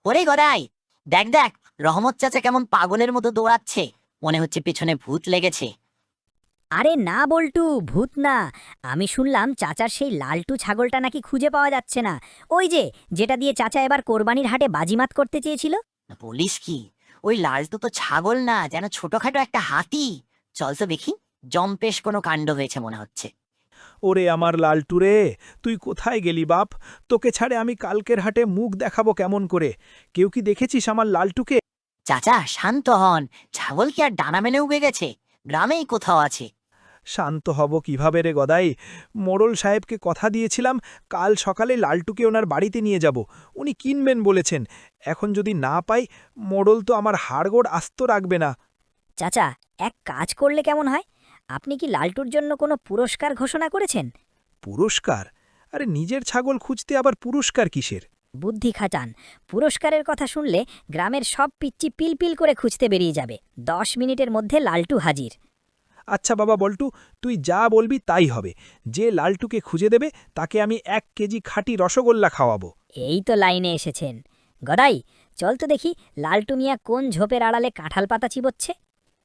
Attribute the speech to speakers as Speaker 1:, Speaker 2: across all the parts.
Speaker 1: ওরে গদাই, দেখ দেখ, রহমত চাচা কেমন পাগলের মতো দৌড়াচ্ছে। মনে হচ্ছে পেছনে ভূত লেগেছে।
Speaker 2: আরে না বল্টু, ভূত না। আমি শুনলাম চাচার সেই লালটু ছাগলটা নাকি খুঁজে পাওয়া যাচ্ছে না। ওই যে, যেটা দিয়ে চাচা এবার কোরবানির হাটে বাজিমাত করতে চেয়েছিল।
Speaker 1: বলিস কি? ওই লালটু তো ছাগল না, যেন ছোটখাটো একটা হাতি। চল তো দেখি। জম্পেশ কোনো কাণ্ড হয়েছে মনে হচ্ছে।
Speaker 3: ওরে আমার লালটু রে, তুই কোথায় গেলি বাপ? তোকে ছাড়ে আমি কালকের হাটে মুখ দেখাবো কেমন করে? কেউ কি দেখেছিস আমার লালটুকে?
Speaker 1: চাচা শান্ত হন। ছাগল কি আর ডানা মেলে উবে গেছে? গ্রামেই কোথাও আছে।
Speaker 3: শান্ত হব কিভাবে রে গদাই? মোড়ল সাহেবকে কথা দিয়েছিলাম, কাল সকালে লালটুকে ওনার বাড়িতে নিয়ে যাব। উনি কিনবেন বলেছেন। এখন যদি না পাই, মোড়ল তো আমার হাড়গোড় আস্ত রাখবে না।
Speaker 2: চাচা, এক কাজ করলে কেমন হয়? আপনি কি লালটুর জন্য কোনো পুরস্কার ঘোষণা করেছেন?
Speaker 3: পুরস্কার? আরে নিজের ছাগল খুঁজতে আবার পুরস্কার কিসের?
Speaker 2: বুদ্ধি খাটান। পুরস্কারের কথা শুনলে গ্রামের সব পিচ্চি পিলপিল করে খুঁজতে বেরিয়ে যাবে। 10 মিনিটের মধ্যে লালটু হাজির।
Speaker 3: আচ্ছা বাবা বল্টু, তুই যা বলবি তাই হবে। যে লালটুকে খুঁজে দেবে তাকে আমি 1 কেজি খাঁটি রসগোল্লা খাওয়াবো।
Speaker 2: এই তো লাইনে এসেছেন। গদাই, চল তো দেখি লালটু মিয়া কোন ঝোপের আড়ালে কাঁঠাল পাতা চিবোচ্ছে।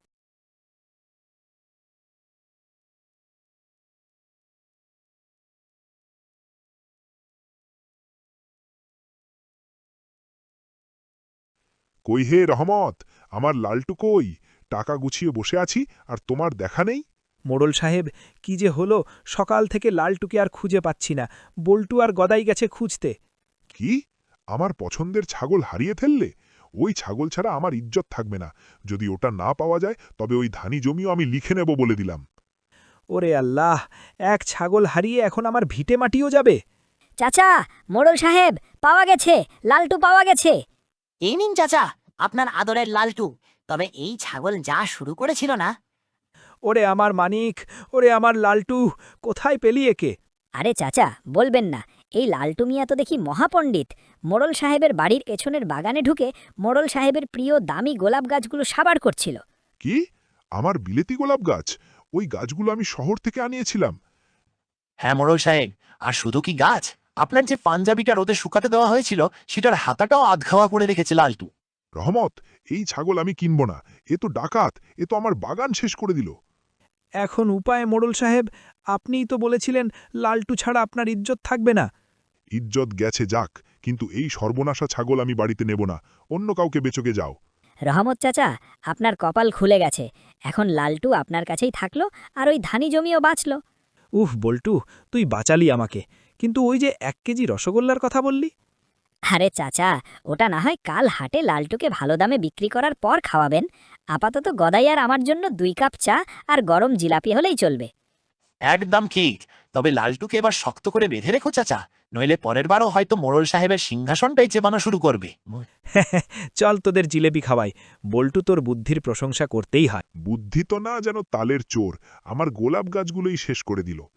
Speaker 4: কই হে রহমত, আমার লালটু কই? টাকা গুছিয়ে বসে আছি আর তোমার দেখা নেই।
Speaker 3: মোড়ল সাহেব, কি যে হলো, সকাল থেকে লালটুকে আর খুঁজে পাচ্ছি না। বল্টু আর গদাই গেছে খুঁজতে।
Speaker 4: কি? আমার পছন্দের ছাগল হারিয়ে ফেললে? ওই ছাগল ছাড়া আমার ইজ্জত থাকবে না। যদি ওটা না পাওয়া যায় তবে ওই ধানি জমিও আমি লিখে নেব বলে দিলাম।
Speaker 3: ওরে আল্লাহ, এক ছাগল হারিয়ে এখন আমার ভিটে মাটিও যাবে।
Speaker 2: চাচা, মোড়ল সাহেব, পাওয়া গেছে, লালটু পাওয়া গেছে।
Speaker 1: এই নিন চাচা, আপনার আদরের লালটু। তবে এই ছাগল যা শুরু করেছিল না।
Speaker 3: ওরে আমার মানিক, ওরে আমার লালটু, কোথায় পেলি একে?
Speaker 2: আরে চাচা, বলবেন না। এই লালটু মিয়া তো দেখি মহাপণ্ডিত। মোড়ল সাহেবের বাড়ির পেছনের বাগানে ঢুকে মোড়ল সাহেবের প্রিয় দামি গোলাপ গাছগুলো সাবার করছিল।
Speaker 4: কি? আমার বিলেতি গোলাপ গাছ? ওই গাছগুলো আমি শহর থেকে আনিয়েছিলাম।
Speaker 5: হ্যাঁ মোড়ল সাহেব, আর শুধু কি গাছ, আপনার যে পাঞ্জাবিটা রোদে শুকাতে দেওয়া হয়েছিল সেটার হাতাটাও আধখাওয়া করে রেখেছে লালটু।
Speaker 4: রহমত, এই ছাগল আমি কিনব না। এ তো ডাকাত, এ তো আমার বাগান শেষ করে দিল।
Speaker 3: এখন উপায় মোড়ল সাহেব? আপনিই তো বলেছিলেন লালটু ছাড়া আপনার ইজ্জত থাকবে না।
Speaker 4: ইজ্জত গেছে যাক, কিন্তু এই সর্বনাশা ছাগল আমি বাড়িতে নেব না। অন্য কাউকে বেচকে যাও।
Speaker 2: রহমত চাচা, আপনার কপাল খুলে গেছে। এখন লালটু আপনার কাছেই থাকলো, আর ওই ধানি জমিও বাঁচল।
Speaker 3: উফ বল্টু, তুই বাঁচালি আমাকে। কিন্তু ওই যে 1 কেজি রসগোল্লার কথা বললি?
Speaker 2: আরে চাচা, ওটা না হয় কাল হাটে লালটুকে ভালো দামে বিক্রি করার পর খাওয়াবেন। আপাতত গদাই আর আমার জন্য 2 কাপ চা আর গরম জিলাপি হলেই চলবে।
Speaker 5: একদম ঠিক। তবে লালটুকে এবার শক্ত করে বেঁধে রেখো চাচা, নইলে পরের বারও হয়তো মোড়ল সাহেবের সিংহাসনটাই চেবানো শুরু করবে।
Speaker 3: চল তোদের জিলেপি খাওয়াই। বল্টু, তোর বুদ্ধির প্রশংসা করতেই হয়।
Speaker 4: বুদ্ধি তো না, যেন তালের চোর। আমার গোলাপ গাছগুলোই শেষ করে দিল।